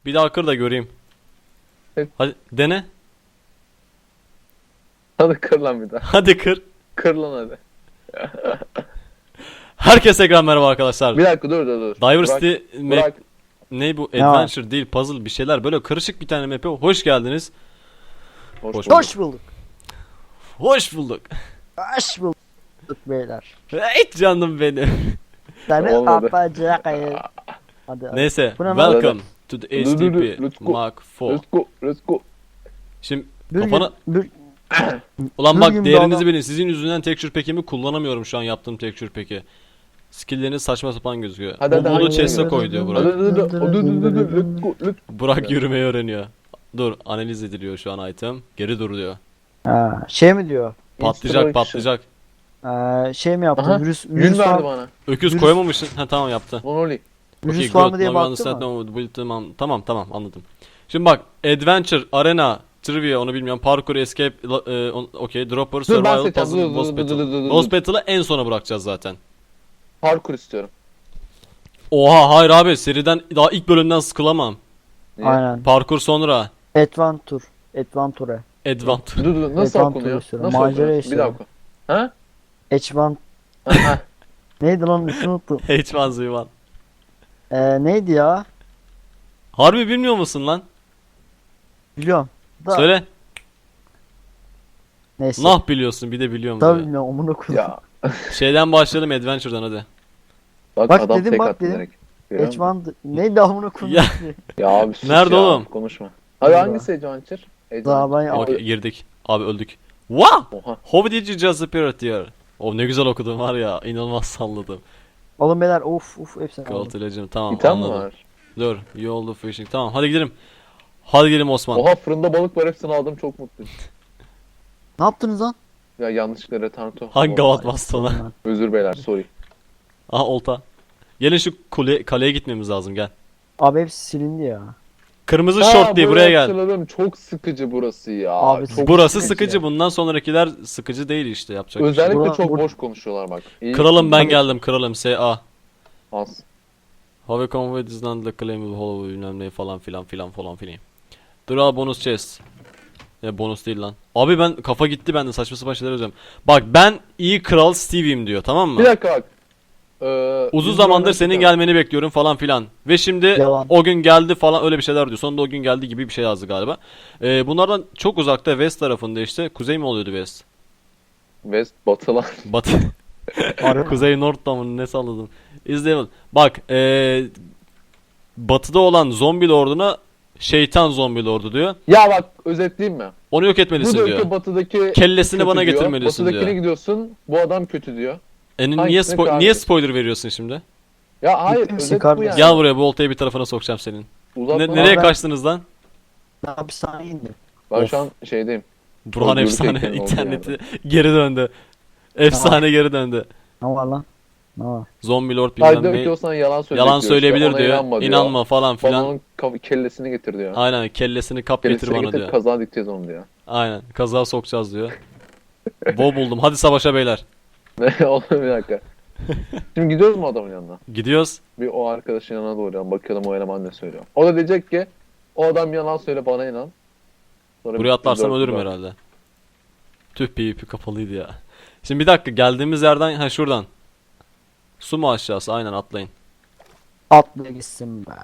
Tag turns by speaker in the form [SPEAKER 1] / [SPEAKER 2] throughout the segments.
[SPEAKER 1] Bir daha kır da göreyim.
[SPEAKER 2] Evet.
[SPEAKER 1] Hadi dene.
[SPEAKER 2] Hadi kır lan bir daha.
[SPEAKER 1] Hadi kır.
[SPEAKER 2] Kır lan hadi.
[SPEAKER 1] Herkese tekrar merhaba arkadaşlar.
[SPEAKER 2] Bir dakika dur.
[SPEAKER 1] Diversity
[SPEAKER 2] Burak.
[SPEAKER 1] ne bu?
[SPEAKER 3] Ne var?
[SPEAKER 1] Adventure değil, puzzle bir şeyler. Böyle karışık bir tane map'e hoş geldiniz.
[SPEAKER 2] Hoş
[SPEAKER 1] Hoş
[SPEAKER 2] bulduk.
[SPEAKER 3] Hoş bulduk.
[SPEAKER 1] Hoş bulduk.
[SPEAKER 3] Hoş bulduk beyler.
[SPEAKER 1] Hey canım benim.
[SPEAKER 3] Seni
[SPEAKER 2] Olmadı.
[SPEAKER 3] atacak. Hadi.
[SPEAKER 1] Neyse,
[SPEAKER 3] Bu ne lan?
[SPEAKER 1] welcome to the
[SPEAKER 2] Dur, dur,
[SPEAKER 1] HTTP
[SPEAKER 2] let's go.
[SPEAKER 1] Mark IV.
[SPEAKER 2] Let's go.
[SPEAKER 1] Şimdi
[SPEAKER 3] Bir
[SPEAKER 1] kafana...
[SPEAKER 3] gün,
[SPEAKER 1] Ulan
[SPEAKER 3] bir
[SPEAKER 1] bak
[SPEAKER 3] gün
[SPEAKER 1] değerinizi
[SPEAKER 3] daha-
[SPEAKER 1] bilin. Sizin yüzünden texture pack'imi kullanamıyorum şu an yaptığım texture pack'i. Skill'leriniz saçma sapan gözüküyor.
[SPEAKER 2] Hadi, hadi,
[SPEAKER 1] Bunu
[SPEAKER 2] hadi,
[SPEAKER 1] chest'e
[SPEAKER 2] hadi.
[SPEAKER 1] koy diyor
[SPEAKER 2] Hadi
[SPEAKER 1] Burak.
[SPEAKER 2] dur. Let's go.
[SPEAKER 1] Burak yürümeyi öğreniyor. Dur, analiz ediliyor şu an item. Geri dur diyor.
[SPEAKER 3] Ha, şey mi diyor?
[SPEAKER 1] Patlayacak.
[SPEAKER 3] Şey mi yaptı?
[SPEAKER 2] Aha,
[SPEAKER 3] Virüs
[SPEAKER 2] Yün
[SPEAKER 3] var,
[SPEAKER 2] verdi bana.
[SPEAKER 1] Öküz
[SPEAKER 3] Virüs-
[SPEAKER 1] koyamamışsın. Ha tamam yaptı.
[SPEAKER 2] Monoli.
[SPEAKER 3] virüs
[SPEAKER 1] Okay,
[SPEAKER 3] var
[SPEAKER 1] good.
[SPEAKER 3] mı diye
[SPEAKER 1] Now you
[SPEAKER 3] baktı
[SPEAKER 1] understand
[SPEAKER 3] mı?
[SPEAKER 1] now the tamam anladım. Şimdi bak Adventure, Arena, Trivia onu bilmiyorum. Parkour, Escape, okay, Dropper,
[SPEAKER 2] Dur ben
[SPEAKER 1] Survival,
[SPEAKER 2] seçeceğim.
[SPEAKER 1] Puzzle, Boss Battle. Boss Battle'ı en sona bırakacağız zaten.
[SPEAKER 2] Parkur istiyorum.
[SPEAKER 1] Oha hayır abi seriden daha ilk bölümden sıkılamam.
[SPEAKER 2] Niye?
[SPEAKER 3] Aynen.
[SPEAKER 1] Parkur sonra.
[SPEAKER 3] Adventure.
[SPEAKER 1] Adventure.
[SPEAKER 2] Dur nasıl
[SPEAKER 3] Adventure
[SPEAKER 2] okunuyor?
[SPEAKER 3] istiyorum.
[SPEAKER 2] Nasıl
[SPEAKER 3] Macera
[SPEAKER 2] okunuyor? Bir
[SPEAKER 3] istiyorum.
[SPEAKER 2] daha oku. Ha?
[SPEAKER 3] Adventure.
[SPEAKER 2] Ha?
[SPEAKER 3] Neydi lan? İsmini unuttum.
[SPEAKER 1] H1Z1.
[SPEAKER 3] Neydi ya?
[SPEAKER 1] Harbi bilmiyor musun lan?
[SPEAKER 3] Biliyorum. Da,
[SPEAKER 1] Söyle.
[SPEAKER 3] Neyse.
[SPEAKER 1] Nah biliyorsun bir de biliyorum
[SPEAKER 3] Tabii
[SPEAKER 1] diyor.
[SPEAKER 3] bilmiyorum. Amına koyayım.
[SPEAKER 2] Ya.
[SPEAKER 1] Şeyden başlayalım Adventure'dan hadi.
[SPEAKER 2] Bak
[SPEAKER 3] Bak
[SPEAKER 2] adam
[SPEAKER 3] dedim,
[SPEAKER 2] tek
[SPEAKER 3] bak
[SPEAKER 2] attı
[SPEAKER 3] dedim.
[SPEAKER 2] direkt. Görüyor musun?
[SPEAKER 3] Adventure. Neydi amına koyayım?
[SPEAKER 2] Ya abi sus
[SPEAKER 1] Nerede
[SPEAKER 2] ya,
[SPEAKER 1] oğlum?
[SPEAKER 2] Konuşma. Hadi
[SPEAKER 3] Burada.
[SPEAKER 2] hangisi Adventure?
[SPEAKER 3] Daha ben
[SPEAKER 1] Okey girdik. Abi öldük. Wow!
[SPEAKER 2] Oha.
[SPEAKER 1] How did you just appear here? Oh ne güzel okudum var ya inanılmaz salladım.
[SPEAKER 3] Oğlum beyler of hepsini aldım.
[SPEAKER 1] Gold Legend tamam
[SPEAKER 2] İtem mi
[SPEAKER 1] anladım.
[SPEAKER 2] var?
[SPEAKER 1] Dur you all the fishing tamam hadi gidelim. Hadi gidelim Osman.
[SPEAKER 2] Oha fırında balık var hepsini aldım çok mutluyum.
[SPEAKER 3] Ne yaptınız lan?
[SPEAKER 2] Ya yanlışlıkla retardo.
[SPEAKER 1] Hangi
[SPEAKER 2] Oh,
[SPEAKER 1] gavat bastı ona?
[SPEAKER 2] Özür beyler sorry.
[SPEAKER 1] Aha olta. Gelin şu kaleye gitmemiz lazım gel.
[SPEAKER 3] Abi hepsi silindi ya.
[SPEAKER 1] Kırmızı
[SPEAKER 2] Ha,
[SPEAKER 1] şort diye buraya gel.
[SPEAKER 2] hatırladım. Çok sıkıcı burası ya.
[SPEAKER 3] Abi,
[SPEAKER 2] çok
[SPEAKER 1] Burası sıkıcı bundan sonrakiler sıkıcı değil işte yapacak bir şey.
[SPEAKER 2] Özellikle
[SPEAKER 3] Bura-
[SPEAKER 2] çok
[SPEAKER 3] bur-
[SPEAKER 2] boş konuşuyorlar bak. İyi.
[SPEAKER 1] Kralım ben
[SPEAKER 2] Hadi.
[SPEAKER 1] geldim kralım S.A.
[SPEAKER 2] Az.
[SPEAKER 1] Have a convoy is not the claim hollow bilmem ne falan filan. Dur al bonus chest. Ya bonus değil lan. Abi ben kafa gitti bende saçma sapan şeyler yazıyorum. Bak ben iyi kral Stevie'yim diyor tamam mı?
[SPEAKER 2] Bir dakika bak.
[SPEAKER 1] Uzun
[SPEAKER 2] biz
[SPEAKER 1] zamandır
[SPEAKER 2] buradan
[SPEAKER 1] senin
[SPEAKER 2] çıkalım.
[SPEAKER 1] gelmeni bekliyorum falan filan. Ve şimdi
[SPEAKER 3] Yalan.
[SPEAKER 1] o gün geldi falan öyle bir şeyler diyor. Sonunda o gün geldi gibi bir şey yazdı galiba. Bunlardan çok uzakta West tarafında işte. Kuzey mi oluyordu West?
[SPEAKER 2] West batılar.
[SPEAKER 1] Batı.
[SPEAKER 3] Harbi.
[SPEAKER 1] Kuzey North'ta mı ne salladın? İzleyelim. Bak batıda olan zombi lorduna şeytan zombi lordu diyor.
[SPEAKER 2] Ya bak özetleyeyim mi?
[SPEAKER 1] Onu yok
[SPEAKER 2] Bu
[SPEAKER 1] etmelisin
[SPEAKER 2] diyor
[SPEAKER 1] diyor.
[SPEAKER 2] ki batıdaki
[SPEAKER 1] Kellesini
[SPEAKER 2] kötü
[SPEAKER 1] bana
[SPEAKER 2] diyor.
[SPEAKER 1] getirmelisin
[SPEAKER 2] Batıdakine
[SPEAKER 1] diyor.
[SPEAKER 2] gidiyorsun. Bu adam kötü diyor.
[SPEAKER 1] Niye,
[SPEAKER 2] Hangisini
[SPEAKER 1] niye
[SPEAKER 2] karşı?
[SPEAKER 1] spoiler veriyorsun şimdi?
[SPEAKER 2] Ya hayır
[SPEAKER 3] Ciddi misin
[SPEAKER 2] özet bu
[SPEAKER 3] kardeşim?
[SPEAKER 2] yani.
[SPEAKER 1] Gel buraya bu oltayı bir tarafına sokacağım senin.
[SPEAKER 2] Uzatma.
[SPEAKER 1] Nereye
[SPEAKER 3] ben-
[SPEAKER 1] kaçtınız lan?
[SPEAKER 3] Ya bir saniye indi.
[SPEAKER 2] Ben
[SPEAKER 1] Of.
[SPEAKER 2] şu an şeydeyim.
[SPEAKER 1] Burhan
[SPEAKER 2] Özgürlük
[SPEAKER 1] efsane
[SPEAKER 2] ekranı oldu
[SPEAKER 1] interneti geri döndü. Efsane geri döndü.
[SPEAKER 3] Ne var lan? Ne var?
[SPEAKER 1] Zombi lord
[SPEAKER 2] Hayır
[SPEAKER 1] bilmem
[SPEAKER 2] diyor ki
[SPEAKER 1] ne.
[SPEAKER 2] o sana yalan söyleyecek
[SPEAKER 1] Yalan
[SPEAKER 2] diyor
[SPEAKER 1] söyleyebilir
[SPEAKER 2] işte. Ona
[SPEAKER 1] diyor.
[SPEAKER 2] inanma diyor.
[SPEAKER 1] İnanma falan
[SPEAKER 2] Bana
[SPEAKER 1] filan.
[SPEAKER 2] onun kellesini getir diyor.
[SPEAKER 1] Aynen kellesini kap getir
[SPEAKER 2] Kellesini
[SPEAKER 1] bana
[SPEAKER 2] getir
[SPEAKER 1] diyor.
[SPEAKER 2] kaza dikeceğiz onu diyor.
[SPEAKER 1] Aynen kaza sokacağız diyor. Bo buldum. Hadi savaşa beyler.
[SPEAKER 2] Ne oğlum bir dakika. Şimdi gidiyoruz mu adamın yanına?
[SPEAKER 1] Gidiyoruz.
[SPEAKER 2] Bir o arkadaşın yanına doğru yani bakalım o eleman ne söylüyor. O da diyecek ki o adam yalan söyle bana inan. Sonra
[SPEAKER 1] Buraya atlarsam ölürüm herhalde. Tüh PvP kapalıydı ya. Şimdi bir dakika geldiğimiz yerden ha şuradan. Su mu aşağısı? Aynen atlayın.
[SPEAKER 3] Atla gitsin be.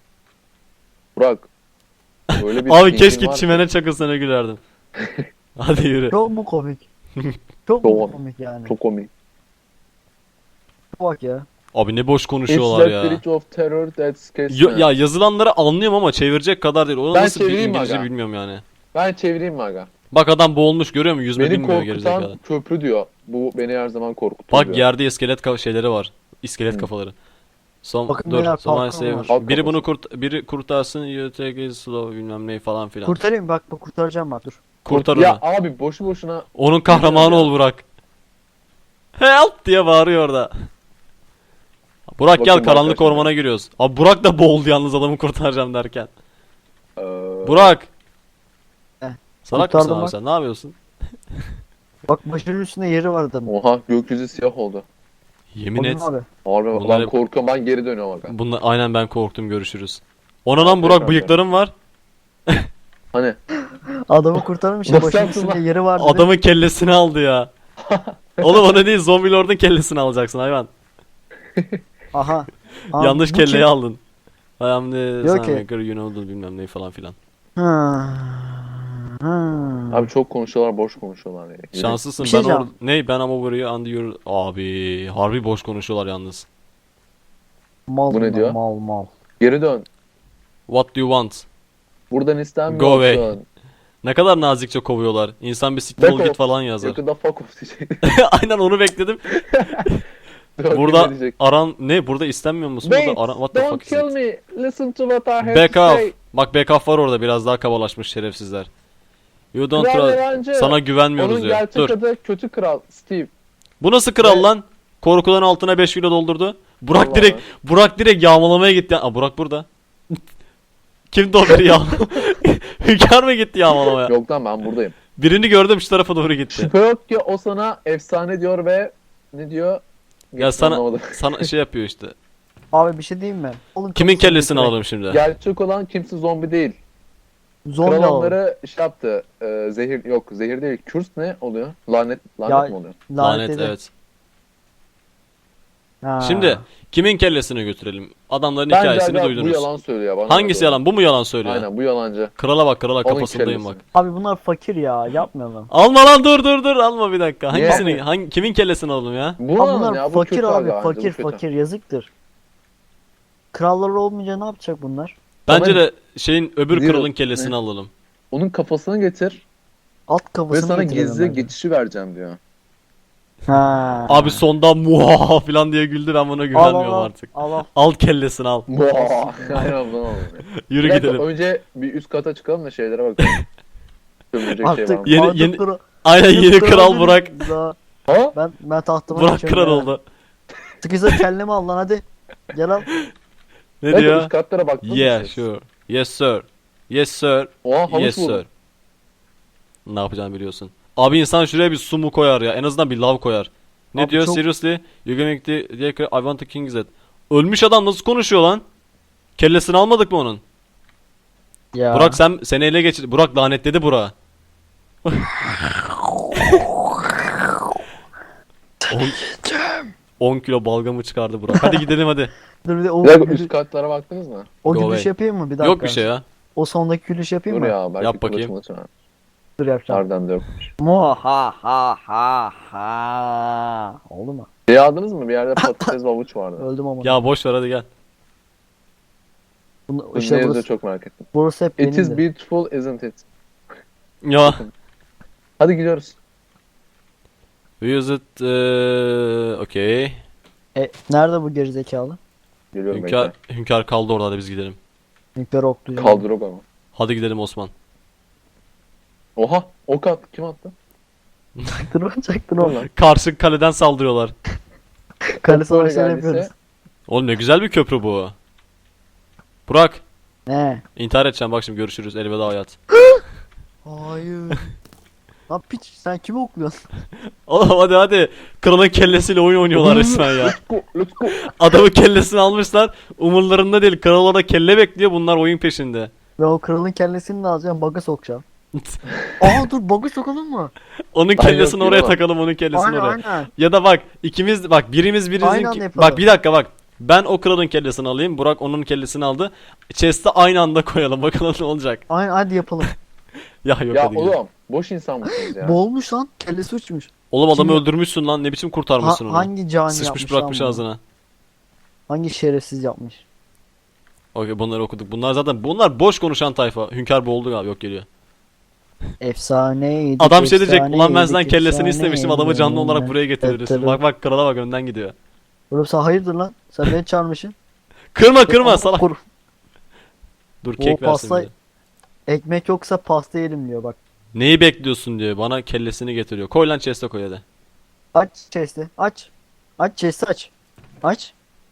[SPEAKER 2] Burak. Böyle bir
[SPEAKER 1] Abi
[SPEAKER 2] thinking
[SPEAKER 1] keşke
[SPEAKER 2] var ki-
[SPEAKER 1] çimene çakılsana gülerdim. Hadi yürü.
[SPEAKER 3] Çok mu komik? Çok
[SPEAKER 2] Çok-
[SPEAKER 3] mu komik yani?
[SPEAKER 2] Çok komik.
[SPEAKER 3] Bak ya.
[SPEAKER 1] Abi ne boş
[SPEAKER 2] It's
[SPEAKER 1] konuşuyorlar
[SPEAKER 2] that
[SPEAKER 1] ya.
[SPEAKER 2] bridge of terror that scares me.
[SPEAKER 1] Ya yazılanları anlıyorum ama çevirecek kadar değil. Onu
[SPEAKER 2] Ben
[SPEAKER 1] nasıl bir
[SPEAKER 2] çevireyim mi
[SPEAKER 1] İngilizce
[SPEAKER 2] aga?
[SPEAKER 1] bilmiyorum yani.
[SPEAKER 2] Ben çevireyim mi aga?
[SPEAKER 1] Bak adam boğulmuş görüyor musun? Yüzme
[SPEAKER 2] Beni
[SPEAKER 1] bilmiyor
[SPEAKER 2] korkutan
[SPEAKER 1] gerizekalı.
[SPEAKER 2] köprü diyor. Bu beni her zaman korkutuyor
[SPEAKER 1] Bak
[SPEAKER 2] diyor.
[SPEAKER 1] yerde iskelet şeyleri var. İskelet
[SPEAKER 2] Hı.
[SPEAKER 1] kafaları. Son
[SPEAKER 3] Bakın
[SPEAKER 1] dur.
[SPEAKER 3] beyler,
[SPEAKER 1] Son
[SPEAKER 3] kalkan
[SPEAKER 1] save.
[SPEAKER 3] var.
[SPEAKER 2] Kalk
[SPEAKER 1] Biri bunu
[SPEAKER 2] kafası.
[SPEAKER 1] biri kurtarsın. You take it slow bilmem ne falan filan.
[SPEAKER 3] Kurtarayım bak kurtaracağım bak dur.
[SPEAKER 1] Kurtar
[SPEAKER 2] Ya
[SPEAKER 1] onu.
[SPEAKER 2] abi boşu boşuna
[SPEAKER 1] Onun kahramanı
[SPEAKER 2] Ya.
[SPEAKER 1] ol Burak. Help diye bağırıyor orada. Burak gel
[SPEAKER 2] Bakın
[SPEAKER 1] karanlık
[SPEAKER 2] arkadaşlar.
[SPEAKER 1] ormana giriyoruz. Abi Burak da boğuldu yalnız adamı kurtaracağım derken.
[SPEAKER 2] eee,
[SPEAKER 1] Burak.
[SPEAKER 3] Eh,
[SPEAKER 1] Salak mısın
[SPEAKER 3] kurtardım
[SPEAKER 1] abi
[SPEAKER 3] bak.
[SPEAKER 1] sen? Ne yapıyorsun?
[SPEAKER 3] Bak başının üstünde yeri var adamın.
[SPEAKER 2] Oha gökyüzü siyah oldu.
[SPEAKER 1] Yemin et.
[SPEAKER 3] Abi.
[SPEAKER 2] Harbi
[SPEAKER 1] Bunlar
[SPEAKER 2] ben
[SPEAKER 1] hep-
[SPEAKER 2] korkuyorum ben geri dönüyorum aga.
[SPEAKER 1] Bunlar aynen ben korktum görüşürüz. Ona lan Burak bıyıklarım var.
[SPEAKER 2] Hani
[SPEAKER 3] Adamı kurtarmış ya
[SPEAKER 2] Nasıl
[SPEAKER 3] başının
[SPEAKER 2] yaptın
[SPEAKER 3] üstünde
[SPEAKER 2] lan?
[SPEAKER 3] yeri var dedi.
[SPEAKER 1] Adamın kellesini aldı ya. Oğlum onu değil, zombi lordun kellesini alacaksın hayvan.
[SPEAKER 3] Aha. Aa,
[SPEAKER 1] Yanlış
[SPEAKER 3] bu
[SPEAKER 1] kelleyi
[SPEAKER 3] kim?
[SPEAKER 1] aldın. I am the
[SPEAKER 3] Diyor ki-
[SPEAKER 1] Sunmaker, you know, bilmem ne falan filan.
[SPEAKER 3] Hı. Hı.
[SPEAKER 2] abi çok konuşuyorlar, boş konuşuyorlar ya. Yürü.
[SPEAKER 1] Şanslısın
[SPEAKER 3] Bir şey
[SPEAKER 1] ben
[SPEAKER 3] diyeceğim.
[SPEAKER 1] ne ben ama burayı under your... Abi harbi boş konuşuyorlar yalnız.
[SPEAKER 3] Mal
[SPEAKER 2] Bu ne
[SPEAKER 3] bunlar,
[SPEAKER 2] diyor?
[SPEAKER 3] mal.
[SPEAKER 2] Geri dön.
[SPEAKER 1] What do you want?
[SPEAKER 2] Buradan
[SPEAKER 1] Go
[SPEAKER 2] istenmiyorsun.
[SPEAKER 1] away. Ne kadar nazikçe kovuyorlar. İnsan bir siktir
[SPEAKER 2] Back
[SPEAKER 1] ol git
[SPEAKER 2] off.
[SPEAKER 1] falan yazar.
[SPEAKER 2] Yakında fuck off diyecek.
[SPEAKER 1] Aynen onu bekledim.
[SPEAKER 2] Yok,
[SPEAKER 1] Burada
[SPEAKER 2] ne diyecek?
[SPEAKER 1] aran ne? Burada istenmiyor musun?
[SPEAKER 2] Wait,
[SPEAKER 1] Burada aran what the
[SPEAKER 2] don't
[SPEAKER 1] fuck is
[SPEAKER 2] kill
[SPEAKER 1] it?
[SPEAKER 2] me. Listen to what I have
[SPEAKER 1] Back
[SPEAKER 2] to
[SPEAKER 1] off.
[SPEAKER 2] say.
[SPEAKER 1] Bak back off var orada, biraz daha kabalaşmış şerefsizler. You don't
[SPEAKER 2] Kral
[SPEAKER 1] trust.
[SPEAKER 2] yalancı.
[SPEAKER 1] Sana güvenmiyoruz
[SPEAKER 2] Onun
[SPEAKER 1] ya.
[SPEAKER 2] gerçek
[SPEAKER 1] Dur.
[SPEAKER 2] adı kötü kral Steve.
[SPEAKER 1] Bu nasıl kral
[SPEAKER 2] Ve-
[SPEAKER 1] lan? Korkudan altına 5 kilo doldurdu. Burak
[SPEAKER 2] Vallahi.
[SPEAKER 1] direkt yağmalamaya gitti. Aa Burak burada. Kimdi o biri ya? Hünkar mı gitti yağmalamaya?
[SPEAKER 2] Yok lan ben buradayım.
[SPEAKER 1] Birini gördüm şu tarafa doğru gitti.
[SPEAKER 2] Şüphe yok ki o sana efsane diyor ve ne diyor?
[SPEAKER 1] Ya sana
[SPEAKER 2] Anlamadım.
[SPEAKER 1] sana şey yapıyor işte.
[SPEAKER 3] Abi bir şey diyeyim mi? Oğlum
[SPEAKER 1] Kimin
[SPEAKER 3] kafasını
[SPEAKER 1] kellesini
[SPEAKER 3] götürek.
[SPEAKER 1] alalım şimdi?
[SPEAKER 2] Gerçek olan kimse zombi değil.
[SPEAKER 3] Zombi
[SPEAKER 2] Kral
[SPEAKER 3] alalım.
[SPEAKER 2] onları şey yaptı. Zehir yok, zehir değil. Kürs ne oluyor? Lanet
[SPEAKER 3] Ya-
[SPEAKER 2] mi oluyor?
[SPEAKER 1] Lanet
[SPEAKER 3] dedi.
[SPEAKER 1] evet.
[SPEAKER 3] Ha.
[SPEAKER 1] Şimdi kimin kellesini götürelim? Adamların
[SPEAKER 2] Bence
[SPEAKER 1] hikayesini
[SPEAKER 2] aga bu
[SPEAKER 1] duydunuz.
[SPEAKER 2] yalan söylüyor bana.
[SPEAKER 1] Hangisi
[SPEAKER 2] doğru.
[SPEAKER 1] yalan? Bu mu yalan söylüyor?
[SPEAKER 2] Aynen bu yalancı.
[SPEAKER 1] Krala bak, krala
[SPEAKER 2] Onun
[SPEAKER 1] kafasındayım
[SPEAKER 2] kellesi.
[SPEAKER 1] bak.
[SPEAKER 3] Abi bunlar fakir ya yapmayalım.
[SPEAKER 1] Alma lan, dur alma bir dakika.
[SPEAKER 2] Niye?
[SPEAKER 1] Hangisini kimin kellesini alalım ya?
[SPEAKER 2] Bu
[SPEAKER 3] Abi
[SPEAKER 2] yalan
[SPEAKER 3] bunlar
[SPEAKER 2] ya, bu
[SPEAKER 3] fakir
[SPEAKER 2] kötü
[SPEAKER 3] abi
[SPEAKER 2] aga, bence bu
[SPEAKER 3] fakir
[SPEAKER 2] kötü.
[SPEAKER 3] fakir yazıktır. Krallar olmayınca ne yapacak bunlar?
[SPEAKER 1] Bence
[SPEAKER 2] Ama-
[SPEAKER 1] de şeyin öbür
[SPEAKER 2] Zero-
[SPEAKER 1] kralın kellesini
[SPEAKER 2] ne?
[SPEAKER 1] alalım.
[SPEAKER 2] Onun kafasını getir
[SPEAKER 3] Alt
[SPEAKER 2] ve
[SPEAKER 3] kafasını
[SPEAKER 2] sana
[SPEAKER 3] getirelim
[SPEAKER 2] gizli
[SPEAKER 3] bence.
[SPEAKER 2] geçişi vereceğim diyor.
[SPEAKER 3] Ha.
[SPEAKER 1] Abi sonda muha falan diye güldü, ben buna güvenmiyorum artık.
[SPEAKER 3] Al.
[SPEAKER 1] Al kellesini al.
[SPEAKER 2] Aynen bundan oldu.
[SPEAKER 1] Yürü
[SPEAKER 2] Bir dakika,
[SPEAKER 1] gidelim.
[SPEAKER 2] önce bir üst kata çıkalım da şeylere bakalım. Sömürecek şey var
[SPEAKER 3] Artık,
[SPEAKER 2] mı?
[SPEAKER 1] Yeni-
[SPEAKER 3] artık
[SPEAKER 1] yeni-
[SPEAKER 3] kral-
[SPEAKER 1] Aynen yeni kral
[SPEAKER 3] benim.
[SPEAKER 1] Burak.
[SPEAKER 3] Daha-
[SPEAKER 2] Ha?
[SPEAKER 3] Ben tahtıma
[SPEAKER 1] Burak
[SPEAKER 3] geçiyorum
[SPEAKER 1] kral
[SPEAKER 3] ya.
[SPEAKER 1] oldu.
[SPEAKER 3] Sıkıysa kellemi al lan hadi. Gel al.
[SPEAKER 1] Ne
[SPEAKER 2] Evet,
[SPEAKER 1] diyor?
[SPEAKER 2] üst katlara baktınız mı
[SPEAKER 1] Yeah
[SPEAKER 2] siz?
[SPEAKER 1] sure. Yes sir. Yes sir.
[SPEAKER 2] Oha havuç
[SPEAKER 1] Yes
[SPEAKER 2] buldum.
[SPEAKER 1] sir. Ne yapacağını biliyorsun. Abi insan şuraya bir su mu koyar ya? En azından bir lav koyar. Ne
[SPEAKER 3] Abi
[SPEAKER 1] diyor?
[SPEAKER 3] çok-
[SPEAKER 1] Seriously? You gonna make the I want the king's head. Ölmüş adam nasıl konuşuyor lan? Kellesini almadık mı onun?
[SPEAKER 3] Ya.
[SPEAKER 1] Burak seni ele geçir. Burak lanetledi Burak'ı. 10 kilo balgamı çıkardı Burak. Hadi gidelim hadi.
[SPEAKER 3] Dur bir de o,
[SPEAKER 2] Bir dakika,
[SPEAKER 3] gülüş,
[SPEAKER 2] üst katlara baktınız mı?
[SPEAKER 3] o
[SPEAKER 1] Go
[SPEAKER 3] gülüş
[SPEAKER 1] away.
[SPEAKER 3] yapayım mı bir dakika?
[SPEAKER 1] Yok bir şey ya.
[SPEAKER 3] O sondaki gülüş yapayım
[SPEAKER 2] Dur
[SPEAKER 3] mı?
[SPEAKER 2] ya belki
[SPEAKER 1] Yap bakayım.
[SPEAKER 2] kılıç var.
[SPEAKER 3] Dur yapacağım.
[SPEAKER 2] Harbiden de yok.
[SPEAKER 3] Muhahaha. Oldu mu?
[SPEAKER 2] Şey aldınız mı? Bir yerde patates ve havuç vardı.
[SPEAKER 3] Öldüm ama.
[SPEAKER 1] Ya boş ver hadi gel.
[SPEAKER 3] Bunu,
[SPEAKER 2] Ne
[SPEAKER 3] işte
[SPEAKER 2] yazıyor
[SPEAKER 3] burası,
[SPEAKER 2] çok merak ettim.
[SPEAKER 3] burası hep
[SPEAKER 2] It is
[SPEAKER 3] benimdi.
[SPEAKER 2] beautiful isn't it?
[SPEAKER 1] Ya.
[SPEAKER 2] Hadi gidiyoruz.
[SPEAKER 1] We use it okay.
[SPEAKER 3] Nerede bu gerizekalı?
[SPEAKER 2] Geliyorum
[SPEAKER 1] Hünkar kaldı orada, hadi biz gidelim.
[SPEAKER 3] Nükleer oklu.
[SPEAKER 2] bekle. Kaldır o ama.
[SPEAKER 1] Hadi gidelim Osman.
[SPEAKER 2] Oha ok attı. Kim attı?
[SPEAKER 3] Çaktın
[SPEAKER 2] Dur
[SPEAKER 3] oğlum.
[SPEAKER 2] lan.
[SPEAKER 1] Karşı kaleden saldırıyorlar.
[SPEAKER 3] Kale
[SPEAKER 2] Böyle
[SPEAKER 3] savaşları
[SPEAKER 2] geldiyse-
[SPEAKER 3] yapıyoruz.
[SPEAKER 1] Oğlum ne güzel bir köprü bu. Burak,
[SPEAKER 3] Ne?
[SPEAKER 1] intihar edeceğim bak şimdi, görüşürüz, elveda hayat.
[SPEAKER 3] Hayır. Lan piç sen kimi okluyorsun?
[SPEAKER 1] Oğlum hadi. Kralın kellesiyle oyun oynuyorlar resmen ya.
[SPEAKER 2] Let's go, let's go.
[SPEAKER 1] Adamın kellesini almışlar. Umurlarında değil. Kral orada kelle bekliyor. Bunlar oyun peşinde.
[SPEAKER 3] Ve o kralın kellesini de alacağım baga sokacağım. Aa dur baga sokalım mı?
[SPEAKER 1] Onun kellesini
[SPEAKER 2] yok,
[SPEAKER 1] oraya
[SPEAKER 2] yok.
[SPEAKER 1] takalım, onun kellesini
[SPEAKER 3] Aynen
[SPEAKER 1] oraya.
[SPEAKER 3] aynen.
[SPEAKER 1] Ya da bak ikimiz bak birimiz
[SPEAKER 3] Aynı
[SPEAKER 1] birimizin
[SPEAKER 3] anda yapalım.
[SPEAKER 1] bak bir dakika bak. Ben o kralın kellesini alayım. Burak onun kellesini aldı. Chest'e aynı anda koyalım. Bakalım ne olacak.
[SPEAKER 3] Aynen hadi yapalım.
[SPEAKER 1] Ya yok
[SPEAKER 2] Ya
[SPEAKER 1] hadi gidelim.
[SPEAKER 2] oğlum boş insan mısınız ya?
[SPEAKER 3] Boğulmuş lan kellesi uçmuş.
[SPEAKER 1] Oğlum adamı
[SPEAKER 3] Kim-
[SPEAKER 1] öldürmüşsün lan. Ne biçim kurtarmışsın onu?
[SPEAKER 3] Hangi cani
[SPEAKER 1] Sıçmış
[SPEAKER 3] yapmış
[SPEAKER 1] bırakmış
[SPEAKER 3] lan bunu?
[SPEAKER 1] ağzına.
[SPEAKER 3] Hangi şerefsiz yapmış?
[SPEAKER 1] Okey bunları okuduk. Bunlar boş konuşan tayfa. Hünkar boğuldu abi, yok geliyor.
[SPEAKER 3] Efsaneydi.
[SPEAKER 1] Adam şey diyecek. Ulan ben
[SPEAKER 3] efsaneydi,
[SPEAKER 1] senden kellesini
[SPEAKER 3] efsaneydi.
[SPEAKER 1] istemiştim. Adamı canlı olarak buraya getirirsin.
[SPEAKER 3] Tabii.
[SPEAKER 1] Bak krala bak, önden gidiyor.
[SPEAKER 3] Oğlum sen hayırdır lan? Sen beni çağırmışsın.
[SPEAKER 1] Kırma salak.
[SPEAKER 3] Kur-
[SPEAKER 1] Dur
[SPEAKER 3] O
[SPEAKER 1] kek versin
[SPEAKER 3] pasta-
[SPEAKER 1] bize.
[SPEAKER 3] Ekmek yoksa pasta yerim diyor bak.
[SPEAKER 1] Neyi bekliyorsun diyor. Bana kellesini getiriyor. Koy lan chest'e koy hadi.
[SPEAKER 3] Aç chest'i aç. Aç chest'i aç. Aç.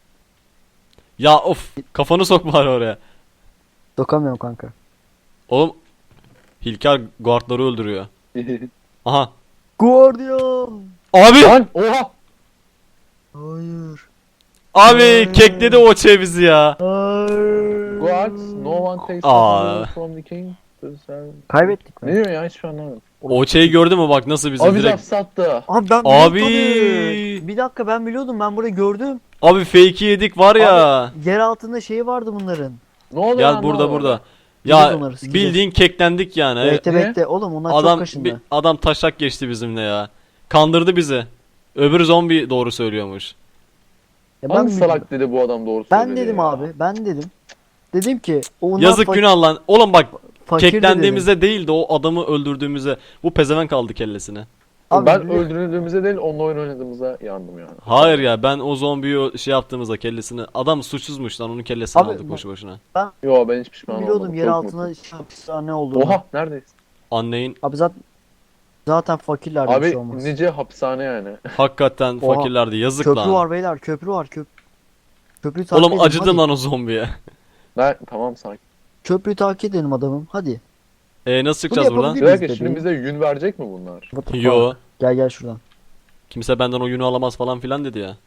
[SPEAKER 1] Ya of, kafanı sok bari oraya.
[SPEAKER 3] Sokamıyorum kanka.
[SPEAKER 1] Oğlum Hilkar guardları öldürüyor. Aha.
[SPEAKER 3] Guardian.
[SPEAKER 1] Abi!
[SPEAKER 2] Lan oha.
[SPEAKER 3] Hayır.
[SPEAKER 1] Abi kekledi o bizi ya.
[SPEAKER 3] Hayır.
[SPEAKER 2] guards, no one takes
[SPEAKER 1] Aa.
[SPEAKER 2] the from the king.
[SPEAKER 3] Kaybettik
[SPEAKER 2] Ne
[SPEAKER 3] mi?
[SPEAKER 2] diyor ya hiçbir şey anlamadım.
[SPEAKER 1] O şeyi gördün mü bak nasıl bizi
[SPEAKER 2] Abi
[SPEAKER 1] direkt.
[SPEAKER 2] laf sattı.
[SPEAKER 3] Abi ben
[SPEAKER 1] Abi.
[SPEAKER 3] biliyordum tabii. Bir dakika ben biliyordum, ben burayı gördüm.
[SPEAKER 1] Abi fake'i yedik var ya.
[SPEAKER 3] Yer altında şeyi vardı bunların.
[SPEAKER 2] Ne oluyor
[SPEAKER 1] Gel
[SPEAKER 2] lan,
[SPEAKER 1] burada
[SPEAKER 2] ne
[SPEAKER 1] burada.
[SPEAKER 2] oluyor?
[SPEAKER 1] Ya
[SPEAKER 3] Sikeceğiz onları, sikeceğiz.
[SPEAKER 1] bildiğin keklendik yani.
[SPEAKER 3] Bekle
[SPEAKER 2] Niye?
[SPEAKER 3] bekle oğlum, onlar çok
[SPEAKER 1] Adam
[SPEAKER 3] kaşındı.
[SPEAKER 1] adam taşak geçti bizimle ya. Kandırdı bizi. Öbür zombi doğru söylüyormuş.
[SPEAKER 3] Ya
[SPEAKER 2] Hangi
[SPEAKER 3] ben
[SPEAKER 2] salak dedi bu adam doğru
[SPEAKER 3] Ben
[SPEAKER 2] söyledi
[SPEAKER 3] dedim
[SPEAKER 2] ya.
[SPEAKER 3] abi, ben dedim. Dedim ki onlar
[SPEAKER 1] Yazık günah lan. Oğlum bak
[SPEAKER 3] fakirdi dedim.
[SPEAKER 1] keklendiğimizde değil de o adamı öldürdüğümüzde bu pezevenk kaldı kellesine.
[SPEAKER 3] Abi
[SPEAKER 2] Ben
[SPEAKER 3] biliyorum.
[SPEAKER 2] öldürüldüğümüzde değil onunla oyun oynadığımızda yandım yani.
[SPEAKER 1] Hayır ya ben o zombiyi şey yaptığımızda kellesini adam suçsuzmuş lan onun kellesini
[SPEAKER 3] Abi,
[SPEAKER 1] aldık boşu boşuna.
[SPEAKER 2] Yo ben hiç pişman
[SPEAKER 3] Biliyordum
[SPEAKER 2] olmadım.
[SPEAKER 3] yer
[SPEAKER 2] Çok
[SPEAKER 3] altında
[SPEAKER 2] mutluyum.
[SPEAKER 3] hapishane olduğunu.
[SPEAKER 2] Oha neredeyiz?
[SPEAKER 1] Anneyin
[SPEAKER 3] Abi zaten fakirler bir şey
[SPEAKER 2] Abi
[SPEAKER 3] olmaz.
[SPEAKER 2] nice hapishane yani.
[SPEAKER 1] hakikaten
[SPEAKER 3] Oha.
[SPEAKER 1] fakirlerdi yazık
[SPEAKER 3] Köprü
[SPEAKER 1] lan.
[SPEAKER 3] var beyler, köprü var. Köprüyü takip
[SPEAKER 1] Oğlum
[SPEAKER 3] edelim,
[SPEAKER 1] acıdım
[SPEAKER 3] hadi.
[SPEAKER 1] lan o zombiye.
[SPEAKER 2] Ben tamam sakin.
[SPEAKER 3] Köprüyü takip edelim adamım, hadi.
[SPEAKER 1] Nasıl çıkacağız
[SPEAKER 3] Bunu
[SPEAKER 1] buradan?
[SPEAKER 3] yapabilir
[SPEAKER 2] Bir
[SPEAKER 3] Biz
[SPEAKER 2] dakika
[SPEAKER 3] de
[SPEAKER 2] şimdi
[SPEAKER 3] değil.
[SPEAKER 2] bize yün verecek mi bunlar?
[SPEAKER 3] What the
[SPEAKER 1] Yo.
[SPEAKER 3] fuck? Gel şuradan.
[SPEAKER 1] Kimse benden oyunu alamaz falan filan dedi ya.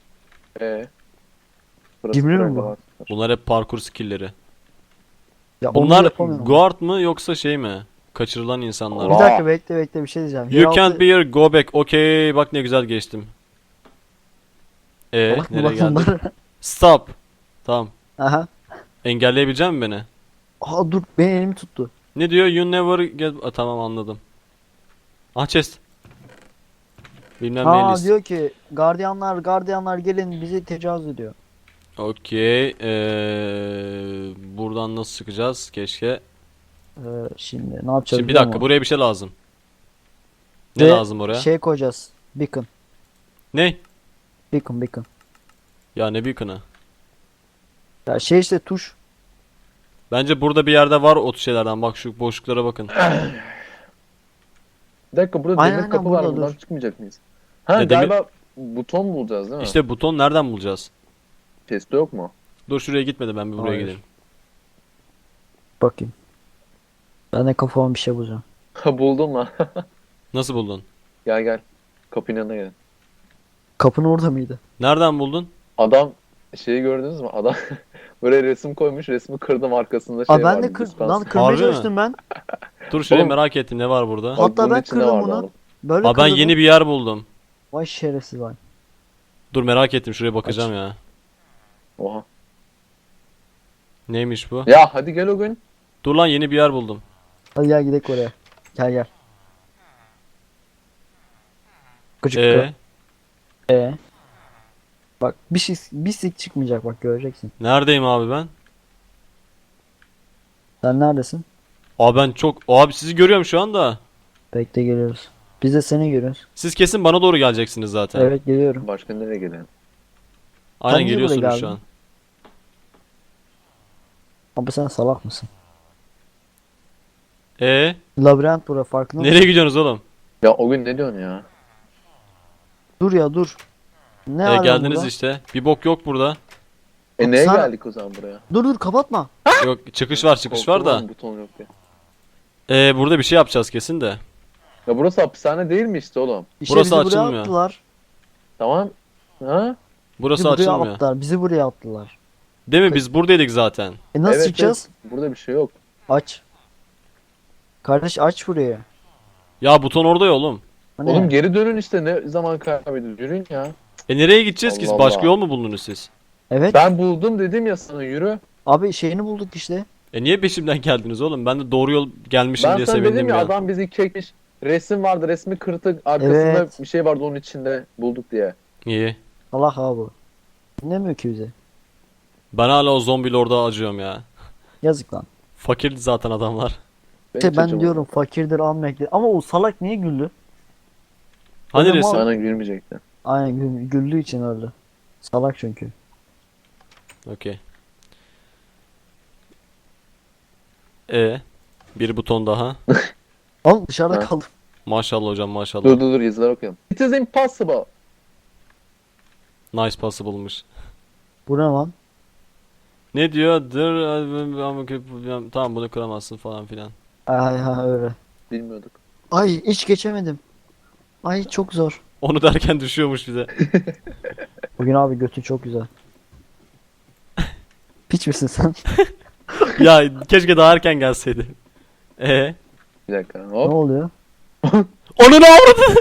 [SPEAKER 2] Burası
[SPEAKER 3] Cimri mi
[SPEAKER 2] böyle
[SPEAKER 3] bu?
[SPEAKER 2] var.
[SPEAKER 1] Bunlar hep parkur skill'leri.
[SPEAKER 3] Ya onu
[SPEAKER 1] Bunlar
[SPEAKER 3] yapamıyorum.
[SPEAKER 1] guard mı yoksa şey mi? Kaçırılan insanlar.
[SPEAKER 3] Bir
[SPEAKER 2] Aa.
[SPEAKER 3] dakika bekle bir şey diyeceğim.
[SPEAKER 1] You can't be here, go back. Okey, bak ne güzel geçtim. Nereye geldik? Stop. Tamam.
[SPEAKER 3] Aha.
[SPEAKER 1] Engelleyebilecek misin beni?
[SPEAKER 3] Aa dur, benim elimi tuttu.
[SPEAKER 1] Ne diyor? You never get... Tamam anladım. Ah chest. Bilmem
[SPEAKER 3] Ha
[SPEAKER 1] ne list.
[SPEAKER 3] diyor ki gardiyanlar gelin, bizi tecavüz ediyor.
[SPEAKER 1] Okey. Buradan nasıl çıkacağız? Keşke.
[SPEAKER 3] Şimdi ne yapacağız
[SPEAKER 1] Şimdi bir
[SPEAKER 3] biliyor
[SPEAKER 1] dakika
[SPEAKER 3] musun?
[SPEAKER 1] buraya bir şey lazım. Ne
[SPEAKER 3] Ve
[SPEAKER 1] lazım oraya?
[SPEAKER 3] Şey koyacağız. Beacon.
[SPEAKER 1] Ne?
[SPEAKER 3] Beacon.
[SPEAKER 1] Ya ne beacon'ı?
[SPEAKER 3] Ya şey işte tuş.
[SPEAKER 1] Bence burada bir yerde var o şeylerden. Bak şu boşluklara bakın.
[SPEAKER 2] Bir dakika burada
[SPEAKER 3] Aynen,
[SPEAKER 2] demir
[SPEAKER 3] aynen,
[SPEAKER 2] kapı var
[SPEAKER 3] burada
[SPEAKER 2] buradan
[SPEAKER 3] dur.
[SPEAKER 2] çıkmayacak mıyız? Ha
[SPEAKER 1] Ne, demir-
[SPEAKER 2] galiba buton bulacağız değil mi?
[SPEAKER 1] İşte buton nereden bulacağız?
[SPEAKER 2] Chest'te yok mu?
[SPEAKER 1] Dur şuraya gitmedi ben bir buraya
[SPEAKER 3] Hayır.
[SPEAKER 1] gideyim.
[SPEAKER 3] Bakayım. Ben de kafama bir şey bulacağım.
[SPEAKER 2] Ha buldum lan.
[SPEAKER 1] Nasıl buldun?
[SPEAKER 2] Gel. Kapının yanına gelin.
[SPEAKER 3] Kapın orada mıydı?
[SPEAKER 1] Nereden buldun?
[SPEAKER 2] Adam şeyi gördünüz mü? Adam böyle resim koymuş. Resmi kırdım arkasında şey
[SPEAKER 3] Aa ben
[SPEAKER 2] var.
[SPEAKER 3] de lan kırmaya
[SPEAKER 1] Harbi mi?
[SPEAKER 3] çalıştım ben.
[SPEAKER 1] Dur şuraya
[SPEAKER 2] Oğlum-
[SPEAKER 1] merak ettim ne var burada?
[SPEAKER 3] Hatta
[SPEAKER 2] bunun
[SPEAKER 3] ben
[SPEAKER 2] içinde
[SPEAKER 3] kırdım
[SPEAKER 2] vardı
[SPEAKER 3] bunu.
[SPEAKER 2] oğlum.
[SPEAKER 3] Böyle
[SPEAKER 1] Aa ben
[SPEAKER 3] kırdım.
[SPEAKER 1] yeni bir yer buldum.
[SPEAKER 3] Vay şerefsiz vay.
[SPEAKER 1] Dur merak ettim şuraya bakacağım ya.
[SPEAKER 2] Oha.
[SPEAKER 1] Neymiş bu?
[SPEAKER 2] Ya hadi gel o gün.
[SPEAKER 1] Dur lan yeni bir yer buldum.
[SPEAKER 3] Hadi gel gidelim oraya. Gel. Gıcık
[SPEAKER 1] Ee,
[SPEAKER 3] Bak bir sik çıkmayacak, bak göreceksin.
[SPEAKER 1] neredeyim abi ben?
[SPEAKER 3] Sen neredesin?
[SPEAKER 1] Abi ben çok... Abi sizi görüyorum şu anda.
[SPEAKER 3] Bekle, geliyoruz. Biz de seni görüyoruz.
[SPEAKER 1] Siz kesin bana doğru geleceksiniz zaten.
[SPEAKER 3] Evet geliyorum.
[SPEAKER 2] Başka nereye gidelim?
[SPEAKER 1] Aynen
[SPEAKER 3] Sen niye buraya
[SPEAKER 1] geliyorsunuz şu
[SPEAKER 3] geldin?
[SPEAKER 1] an.
[SPEAKER 3] Abi sen salak mısın?
[SPEAKER 1] Labirent
[SPEAKER 3] bura, farkında mısın?
[SPEAKER 1] Nereye gidiyorsunuz oğlum?
[SPEAKER 2] Ya o gün ne diyorsun ya?
[SPEAKER 3] Dur. Ne var
[SPEAKER 1] Geldiniz
[SPEAKER 3] burada?
[SPEAKER 1] işte. Bir bok yok burada.
[SPEAKER 2] Neye
[SPEAKER 3] Sana-
[SPEAKER 2] geldik o zaman buraya?
[SPEAKER 3] Dur kapatma.
[SPEAKER 1] Yok çıkış var
[SPEAKER 2] Korktum
[SPEAKER 1] da.
[SPEAKER 2] lan, buton yok diye.
[SPEAKER 1] Burada bir şey yapacağız kesin de.
[SPEAKER 2] Ya burası hapishane değil mi işte oğlum?
[SPEAKER 3] İşte
[SPEAKER 1] Burası
[SPEAKER 3] bizi buraya
[SPEAKER 1] açılmıyor.
[SPEAKER 3] attılar.
[SPEAKER 2] Tamam. Ha?
[SPEAKER 1] Burası
[SPEAKER 3] Bizi buraya
[SPEAKER 1] açılmıyor.
[SPEAKER 3] attılar. Bizi buraya attılar.
[SPEAKER 1] Değil mi? Biz buradaydık zaten.
[SPEAKER 3] Nasıl
[SPEAKER 2] Evet,
[SPEAKER 3] çıkacağız?
[SPEAKER 2] evet. Burada bir şey yok.
[SPEAKER 3] Aç. Kardeş aç burayı.
[SPEAKER 1] Ya buton orada ya oğlum.
[SPEAKER 3] Hani
[SPEAKER 2] Oğlum geri dönün işte ne zaman kaybediyoruz? Yürüyün ya.
[SPEAKER 1] Nereye gideceğiz ki?
[SPEAKER 2] Allah
[SPEAKER 1] Başka
[SPEAKER 2] Allah.
[SPEAKER 1] yol mu buldunuz siz?
[SPEAKER 3] evet.
[SPEAKER 2] Ben buldum dedim ya sana yürü.
[SPEAKER 3] Abi şeyini bulduk işte.
[SPEAKER 1] Niye peşimden geldiniz oğlum? Ben de doğru yol gelmişim
[SPEAKER 2] Ben
[SPEAKER 1] diye
[SPEAKER 2] sana
[SPEAKER 1] sevindim
[SPEAKER 2] dedim ya
[SPEAKER 1] ya.
[SPEAKER 2] adam bizi kekmiş. Resim vardı resmi kırtık arkasında
[SPEAKER 3] Evet.
[SPEAKER 2] bir şey vardı onun içinde bulduk diye.
[SPEAKER 1] İyi.
[SPEAKER 3] Allah abi. Dinlemiyor ki bize.
[SPEAKER 1] Ben hala o zombi lorda acıyorum ya.
[SPEAKER 3] Yazık lan.
[SPEAKER 1] Fakirdi zaten adamlar.
[SPEAKER 3] İşte
[SPEAKER 2] hiç
[SPEAKER 3] ben
[SPEAKER 2] acımadım.
[SPEAKER 3] diyorum fakirdir almayacak. Ama o salak niye güldü?
[SPEAKER 1] Hani
[SPEAKER 3] Oğlum,
[SPEAKER 1] resim?
[SPEAKER 2] Sana gülmeyecekti.
[SPEAKER 3] Aynen güldüğü için öldü. Salak çünkü.
[SPEAKER 1] Okey. Bir buton daha.
[SPEAKER 3] Oğlum dışarıda
[SPEAKER 2] Ha.
[SPEAKER 3] kaldım.
[SPEAKER 1] Maşallah hocam maşallah.
[SPEAKER 2] Dur yazılar okuyalım. It is impossible.
[SPEAKER 1] Nice possible'mış.
[SPEAKER 3] Bu ne lan?
[SPEAKER 1] Ne diyor? Tamam bunu kıramazsın falan filan.
[SPEAKER 3] Ay ha öyle.
[SPEAKER 2] Bilmiyorduk.
[SPEAKER 3] Ay hiç geçemedim. Ay çok zor.
[SPEAKER 1] Onu derken düşüyormuş bize.
[SPEAKER 3] Bugün abi götü çok güzel. Piç misin sen?
[SPEAKER 1] Ya keşke daha erken gelseydi.
[SPEAKER 2] Bir dakika.
[SPEAKER 3] Ne
[SPEAKER 2] Hop.
[SPEAKER 3] oluyor?
[SPEAKER 1] Onu ne avradı?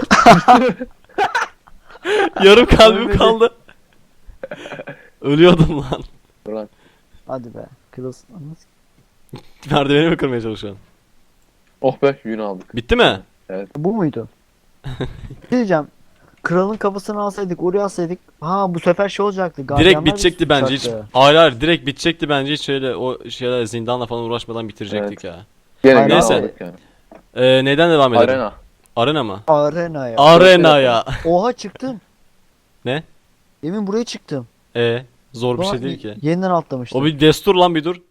[SPEAKER 1] Yarım kalbim
[SPEAKER 3] Ölmedi.
[SPEAKER 1] kaldı. Ölüyordum lan.
[SPEAKER 2] Dur lan.
[SPEAKER 3] Hadi be. Kırılsın. Anlasın.
[SPEAKER 1] Merdiveni mi kırmaya çalışıyorsun?
[SPEAKER 2] Oh be yün aldık.
[SPEAKER 1] Bitti mi?
[SPEAKER 3] Bu muydu? Bir şey diyeceğim. Kralın kafasını alsaydık, oraya alsaydık. Ha bu sefer şey olacaktı.
[SPEAKER 1] Direkt
[SPEAKER 3] gardiyanlar
[SPEAKER 1] bitecekti
[SPEAKER 3] bizi
[SPEAKER 1] bence hiç.
[SPEAKER 3] tutacaktı.
[SPEAKER 1] Hayır hayır direkt bitecekti bence hiç şöyle o şeyler zindanla falan uğraşmadan bitirecektik ya.
[SPEAKER 2] Gene
[SPEAKER 3] Aynen.
[SPEAKER 2] yün
[SPEAKER 1] Neyse.
[SPEAKER 2] aldık yani.
[SPEAKER 1] Neyden devam edelim?
[SPEAKER 2] Arena.
[SPEAKER 1] Arena mı?
[SPEAKER 3] Arena ya.
[SPEAKER 1] Arena ya.
[SPEAKER 3] Oha çıktım.
[SPEAKER 1] Ne?
[SPEAKER 3] Demin buraya çıktım.
[SPEAKER 1] Zor bir
[SPEAKER 3] Ulan
[SPEAKER 1] şey değil ki.
[SPEAKER 3] Yeniden atlamıştım.
[SPEAKER 1] O bir destur lan bir dur.